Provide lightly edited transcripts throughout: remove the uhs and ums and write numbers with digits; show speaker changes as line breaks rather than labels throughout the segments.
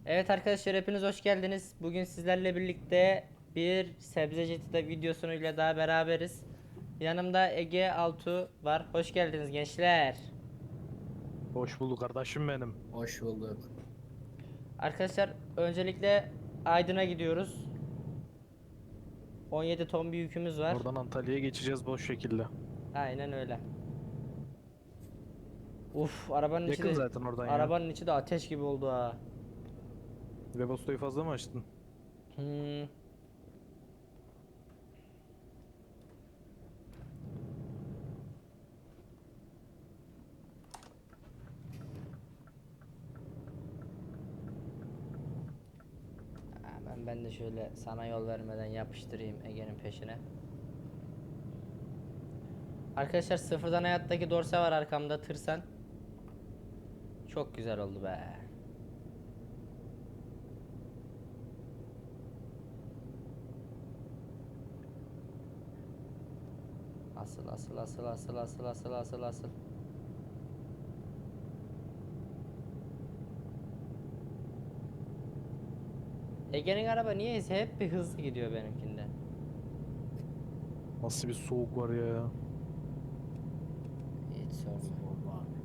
Evet arkadaşlar hepiniz hoş geldiniz. Bugün sizlerle birlikte bir Sebzeci'de videosuyla daha beraberiz. Yanımda Ege Altu var. Hoş geldiniz gençler.
Hoş bulduk kardeşim benim.
Hoş bulduk.
Arkadaşlar öncelikle Aydın'a gidiyoruz. 17 ton bir yükümüz var.
Oradan Antalya'ya geçeceğiz boş şekilde.
Aynen öyle. Uf,
Yakın zaten oradan ya.
arabanın içi de ateş gibi oldu ha.
Webasto'yu fazla mı açtın?
Hmm. Ben de şöyle sana yol vermeden yapıştırayım Ege'nin peşine. Arkadaşlar sıfırdan hayattaki dorse var arkamda tırsan. Çok güzel oldu be. Asıl. Ege'nin araba niyeyse hep bir hızlı gidiyor benimkinde.
Nasıl bir soğuk var ya.
Hiç sorma.
Oldu abi.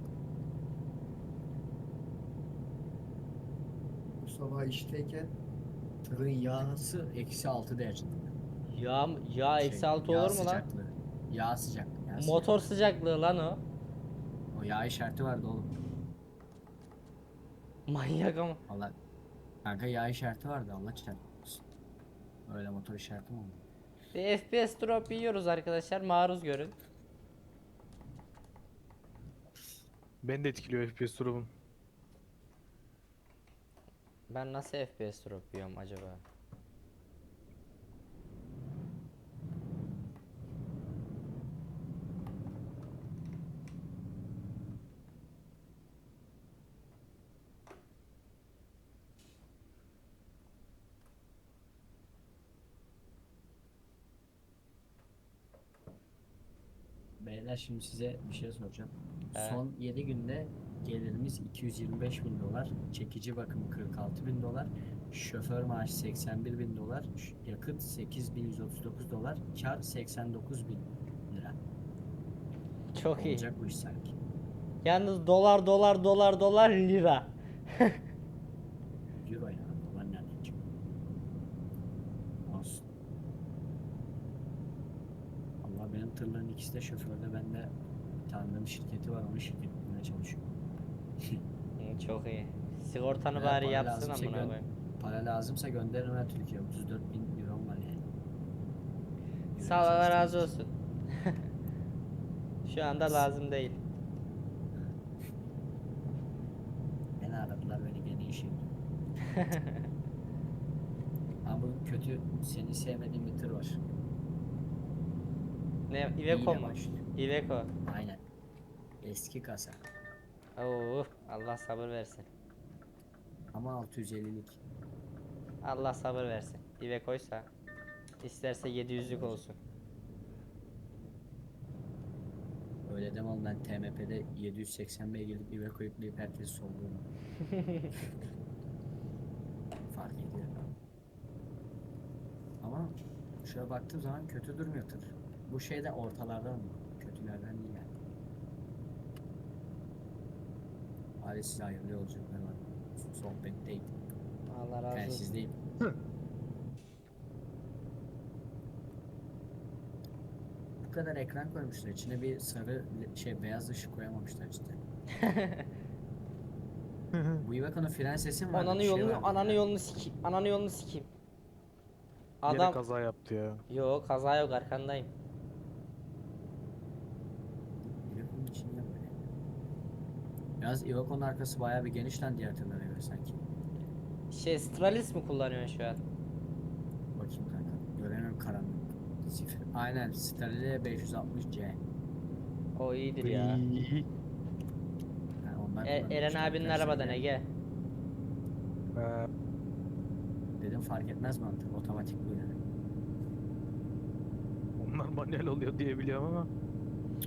Bu sabah işteyken tırın yağısı -6 derecede.
Ya eksi altı
Yağ
olur mu lan?
sıcaklığı. Yağ sıcaklığı. Yağ
Motor
sıcaklığı.
sıcaklığı lan o.
O yağ işareti vardı oğlum.
Manyak ama.
Allah. Kanka yağ işareti vardı, Allah çarpsın. Öyle motor işareti mi oldu?
Bir FPS drop yiyoruz arkadaşlar, maruz görün.
Beni de etkiliyor FPS durumun.
Ben nasıl FPS drop yiyorum acaba?
Beyler şimdi size bir şey soracağım.
He.
Son 7 günde gelirimiz 225 bin dolar, çekici bakımı 46 bin dolar, şoför maaşı 81 bin dolar, yakıt 8139 dolar, kar 89 bin lira.
Çok iyi.
Olacak bu iş sanki.
Yalnız dolar lira.
Euro ya, dolar nereden çıktı? Olsun. Allah, benim tırların ikisi de şoförde, bende bir tanıdığım şirketi var, onun şirketinde çalışıyor.
Çok iyi. Sigortanı
Eğer
bari
para
yapsın
lazımsa
amına koyayım.
para lazımsa gönderirim her Türkiye. 34 bin euro var yani.
Sağ ol, Allah razı olsun. Şu anda lazım değil.
Beni aradılar, beni gene işe girdim. Ama bu kötü, seni sevmediğim bir tır var.
Ne,
İyi
Iveco
de
mu?
başlıyor.
Iveco.
Aynen. Eski kasa.
Oo, Allah sabır versin.
Ama 650'lik.
Allah sabır versin. Iveco'ysa isterse 700'lük olsun.
Öyle deme oğlum, ben TMP'de 780 beygirlik bir Iveco yükleyip herkesi solluyorum. Fark ediyor. Ama şöyle baktığım zaman kötü durmuyor tır. Bu şeyde ortalardan mı? Kötülerden değil yani. Hadi size hayırlı yolculuklar var. Sohbetteyim.
Allah razı olsun.
Telsizdeyim. Bu kadar ekran koymuşlar. İçine bir sarı beyaz ışık koyamamışlar cidden. Bu Iveco'nun fren sesi mi vardı?
Ananı
Bir şey
yolunu,
vardı
ananı
ya.
yolunu sikeyim. Ananı yolunu sikeyim.
Yine
Adam
kaza yaptı ya.
yok, kaza yok, arkandayım.
Iveco'nun içinde böyle. Yalnız Iveco'nun arkası bayağı bir geniş lan diğer tırlara göre sanki.
Stralis mi kullanıyorsun şu an?
Bakayım kanka. Göremiyorum, karanlık. Aynen. Sterling 560C.
O iyidir ya.
Iiii.
Yani onlar
Eren
kullanılmış
abinin
arkadaşlar
arabadan
yani.
Ege.
Ee,
Dedim fark etmez mantık. Otomatik bu yani.
onlar manuel oluyor diye biliyorum ama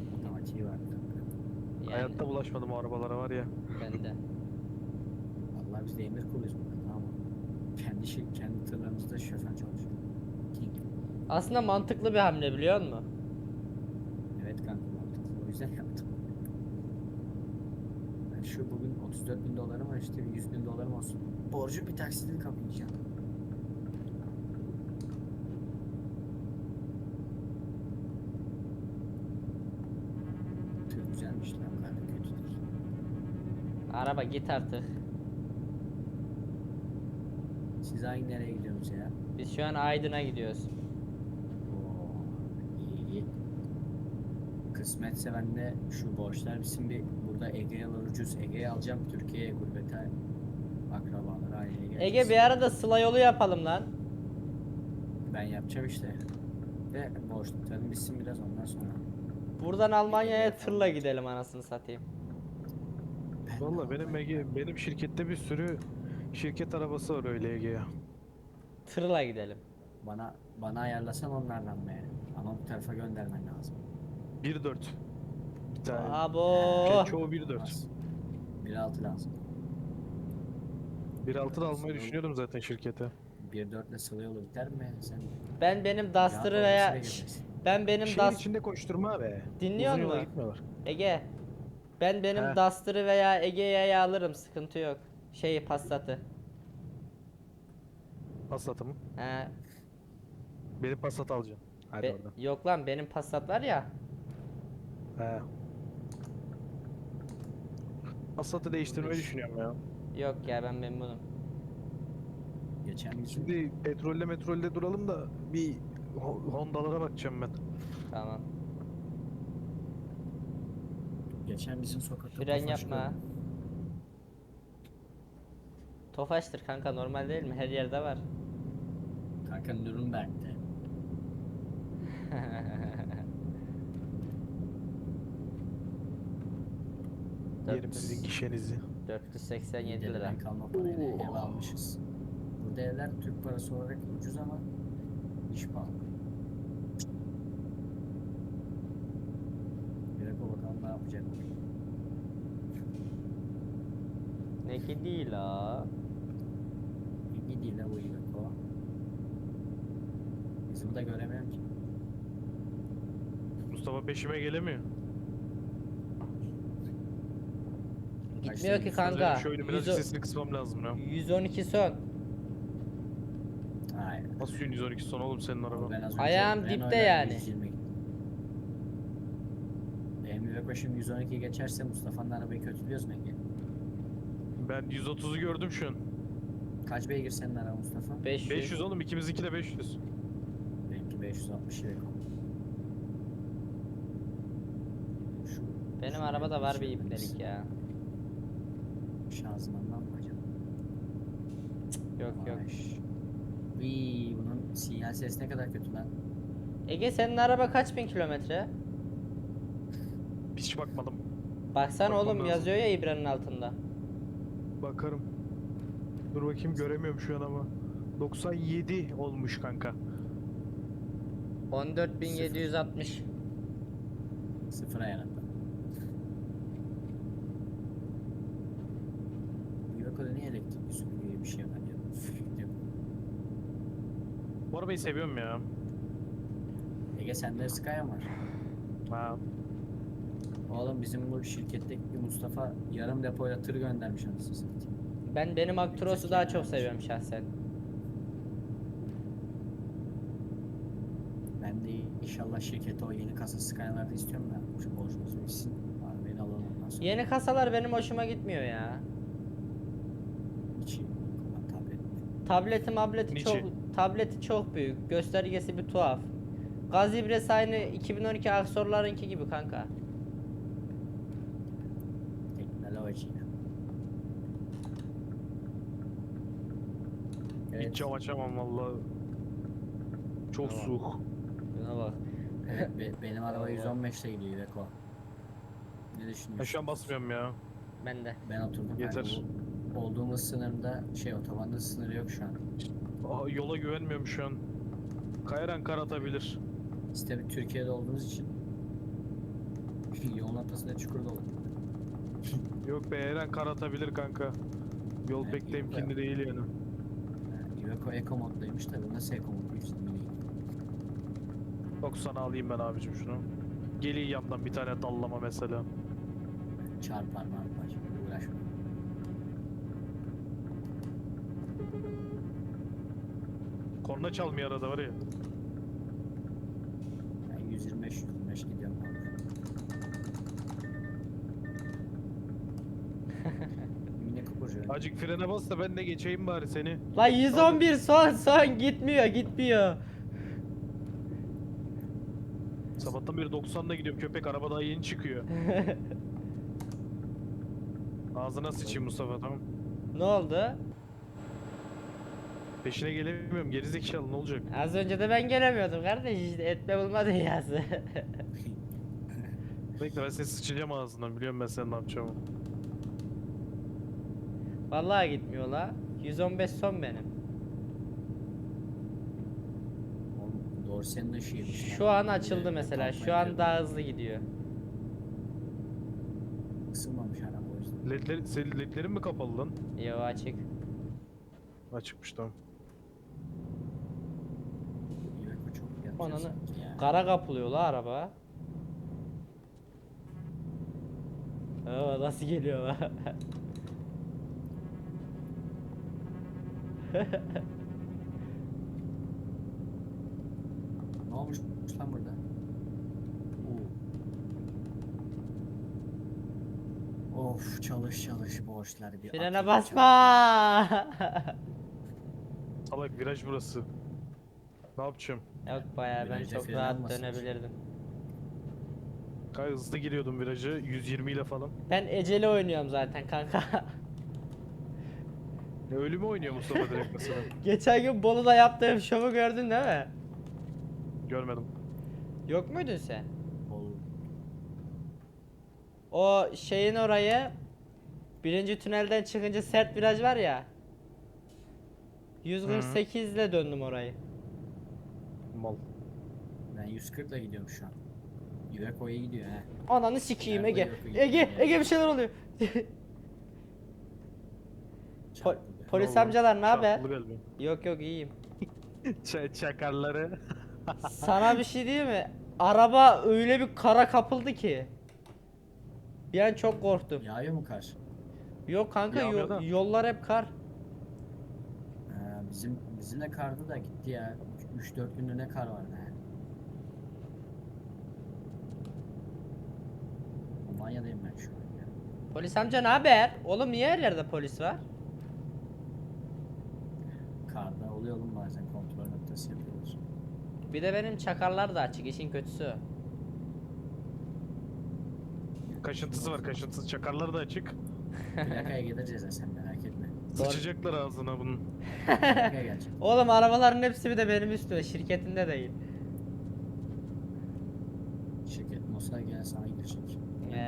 Otomatiği var kanka.
Yani
hayatta bulaşmadım o arabalara var ya.
ben de.
Vallahi Vallahi biz de emir kuluyuz burada, tamam mı? Kendi tırlarımızda şoför çalışıyor. King.
Aslında mantıklı bir hamle biliyor musun?
Evet kanka, mantıklı. O yüzden yaptım. Ben şu bugün 34 bin dolarım var, işte 100 bin dolarım olsun. Borcu bir taksitle kapayacağım. Tır güzelmiş lan, kanka kötü değil.
Araba git artık.
Siz hangi nereye gidiyorsunuz ya?
Biz şu an Aydın'a gidiyoruz.
Oo, iyi iyi. Kısmetse ben de şu borçlar bizim bir burada Ege'ye ucuz. Ege'ye alacağım, Türkiye'ye gurbete, akrabalara, aileye geleceğiz.
Ege bir arada Sıla yolu yapalım lan.
Ben yapacağım işte. Ve borçlarım bitsin biraz, ondan sonra.
Buradan Almanya'ya tırla gidelim anasını satayım.
Ben de
Valla benim
Almanya'ya-
benim şirkette bir sürü şirket arabası var öyle Ege'ye.
Tırla gidelim.
Bana ayarlasan onlardan be. Ama bu tarafa göndermen lazım.
1.4. Bir tane.
Abo.
Çoğu 1.4.
Olmaz. 1.6 lazım.
1.6 da almayı düşünüyordum zaten şirkete.
1.4 ile sıla yolu biter mi? Sen
Ben benim Duster'ı
rahat
veya
olmasıyla gelirsin.
ben benim
Şehir içinde koşturma be.
Dinliyor
Uzun yola
musun?
gitmiyorlar.
Ege. Ben benim
He.
Duster'ı veya Ege'ye alırım, sıkıntı yok. Şeyi Passat'ı.
Passat'ı mı?
He.
Benim Passat alacaksın. Hadi oradan.
Yok lan, benim Passat var ya.
He. Passat'ı değiştirmeyi düşünüyorum ya.
Yok ya, ben memnunum.
Geçen bizim
Şimdi metrolle duralım da bir Honda'lara bakacağım ben.
Tamam.
sokakta
Fren
Tofaş
yapma.
gördüm.
Tofaştır kanka, normal değil mi? Her yerde var.
Kanka Nürnberg'de.
Yerim sizin gişenizi.
487 lira.
Dededen kalma parayla ev almışız. Burada evler Türk parası olarak ucuz ama iş pahalı. Bir dakika bakalım ne yapacak.
Ne ki değil la.
İyi değil ha bu Iveco. Bizim de göremiyorum ki.
Mustafa peşime gelemiyor.
Gitmiyor ki
Kaçta
kanka.
Şöyle biraz sesini kısmam lazım ya.
112 son.
Hayır.
Nasıl 112 son oğlum senin araba?
Ben az önce
Ayağım
Renault'la
dipte yani.
120 gittim. Benim Iveco şimdi 112 geçerse Mustafa'nın arabayı kötülüyoruz mu Ege?
Ben 130'u gördüm şu an.
Kaç beygir senin araba Mustafa?
500.
500 oğlum, ikimizinki de 500.
Benimki 560 Iveco. Şu,
Benim
şu
arabada var bir
şey
ipnelik ya.
Şanzımandan mı acaba?
Yok yok.
Vii, bunun sinyal sesi ne kadar kötü lan.
Ege, senin araba kaç bin kilometre?
Hiç bakmadım.
Baksana
Bakmam
oğlum,
lazım.
yazıyor ya İbra'nın altında.
Bakarım. Dur bakayım, göremiyorum şu an ama. 97 olmuş kanka.
14.760.
Sıfır ayarında. Bu Iveco'da niye elektrikli süpürge gibi bir şey var ya?
Bu arabayı seviyorum ya.
Ege sende Sky'a mı var?
Ha.
Oğlum bizim bu şirketteki bir Mustafa yarım depoyla tır göndermiş anasını satayım.
Benim Actros'u daha çok seviyorum şahsen.
Ben de inşallah şirkete o yeni kasa Sky'larda istiyorum da şu borcumuz bitsin. Arabayı alalım ondan sonra.
Yeni kasalar benim hoşuma gitmiyor ya.
Hiç iyi kullan
Niçin?
Tableti çok büyük. Göstergesi bir tuhaf. Gaz ibresi aynı 2012 Aksor'larınki gibi kanka.
Teknoloji.
Hiç cam açamam vallahi. Çok
Tamam.
soğuk.
Buna bak.
Evet, benim araba 115'te gidiyor Iveco. Ne
Ben
düşünüyorsun?
şu an basmıyorum ya.
Ben de.
Ben oturdum.
Yeter.
Yani bu olduğumuz sınırda otobanda sınırı yok şu an.
Aa, yola güvenmiyorum şu an. Kayaran kar atabilir.
Biz tabi Türkiye'de olduğumuz için yolun ortasında çukur dolu.
Yok be, her an kar atabilir kanka. Yol
Evet,
pek
Iveco.
temkinli değil yani.
Iveco Eco moddaymış tabi. Nasıl Eco mod 120 değil?
90'a alayım ben abicim şunu. Geleyim yandan bir tane dallama mesela.
Çarpar marpar. Uğraşma.
Korna çalmıyor arada var ya.
Ben 125 gidiyorum kanka. Mini Cooper.
Acık frene bas da ben de geçeyim bari seni.
La 111 son gitmiyor.
Sabahtan beri 90'la gidiyorum, köpek araba daha yeni çıkıyor. Ağzına sıçayım Mustafa, tamam.
Ne oldu?
Peşine gelemiyorum, gerizekalı, ne olacak?
Az önce de ben gelemiyordum kardeş, işte etme bulma dünyası.
Bekle, ben seni sıçacağım ağzından, biliyorum ben senin ne yapacağımı.
Vallahi gitmiyor la. 115 son benim.
Oğlum Dorsen'in ışığıymış.
Şu an açıldı mesela. Şu an daha hızlı gidiyor.
Isınmamış araba o yüzden.
Senin ledlerin mi kapalı lan?
Yo, açık.
Açıkmış, tamam.
Iveco çok yapacak
Ananı
sanki ya.
kara kapılıyor la araba. Oo, nasıl geliyor la?
Ne olmuş lan burada? Oo. Of çalış borçlar bir
Frene
atayım,
basma.
Salak, viraj burası. Ne yapacağım?
Yok bayağı ben
Virajda
çok
fren
rahat
almasın.
dönebilirdim.
Gayet hızlı giriyordum virajı, 120 ile falan.
Ben eceli oynuyorum zaten kanka.
Ya ölümü oynuyor Mustafa direkt mesela.
Geçen gün Bolu'da yaptığım şovu gördün değil mi?
Görmedim.
Yok muydun sen?
Ol-
O şeyin orayı, birinci tünelden çıkınca sert viraj var ya. 148 ile döndüm orayı.
Mal.
Ben 140 ile gidiyorum şu an. Iveco iyi gidiyor he.
Ananı sikeyim
Nerede
Ege.
yok, yok,
Ege,
yok.
Ege bir şeyler oluyor.
Çarpıldı.
Polis
Allah,
amcalar ne haber?
çarpıldı galiba.
Yok yok, iyiyim.
Çakarları.
Sana bir şey diyeyim mi? Araba öyle bir kara kapıldı ki. Bir an çok korktum.
Yağıyor mu kar?
Yok kanka,
Yağmıyor da.
yollar hep kar.
Bizim de kardı da gitti ya. 3-4 günde ne kar vardı he. Almanya'dayım ben şu an ya.
Polis amca ne haber? Oğlum niye her yerde polis var?
Karda oluyor oğlum, bazen kontrol noktası yapıyorlar.
Bir de benim çakarlar da açık, işin kötüsü.
Kaşıntısı var, kaşıntısı. Çakarları da açık.
Plakaya geleceğiz ya, sen merak etme.
Sıçacaklar ağzına bunun.
Plakaya gelecek.
Oğlum arabaların hepsi bir de benim üstüme, şirketinde değil.
Şirket Mossad gene sana girecek.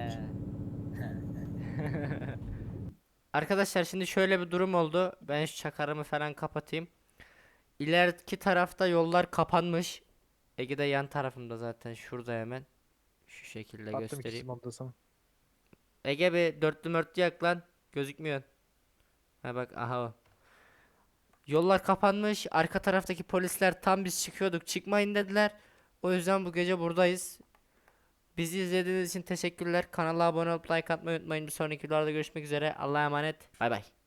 Arkadaşlar şimdi şöyle bir durum oldu. Ben şu çakarımı falan kapatayım. İleriki tarafta yollar kapanmış. Ege de yan tarafımda zaten, şurada hemen. Şu şekilde
Attım
göstereyim.
ikisini onda sana.
Ege bir dörtlü mörtlü yak lan. Gözükmüyor. Ha bak, aha o. Yollar kapanmış. Arka taraftaki polisler tam biz çıkıyorduk, çıkmayın dediler. O yüzden bu gece buradayız. Bizi izlediğiniz için teşekkürler. Kanala abone olup like atmayı unutmayın. Bir sonraki videolarda görüşmek üzere. Allah'a emanet. Bay bay.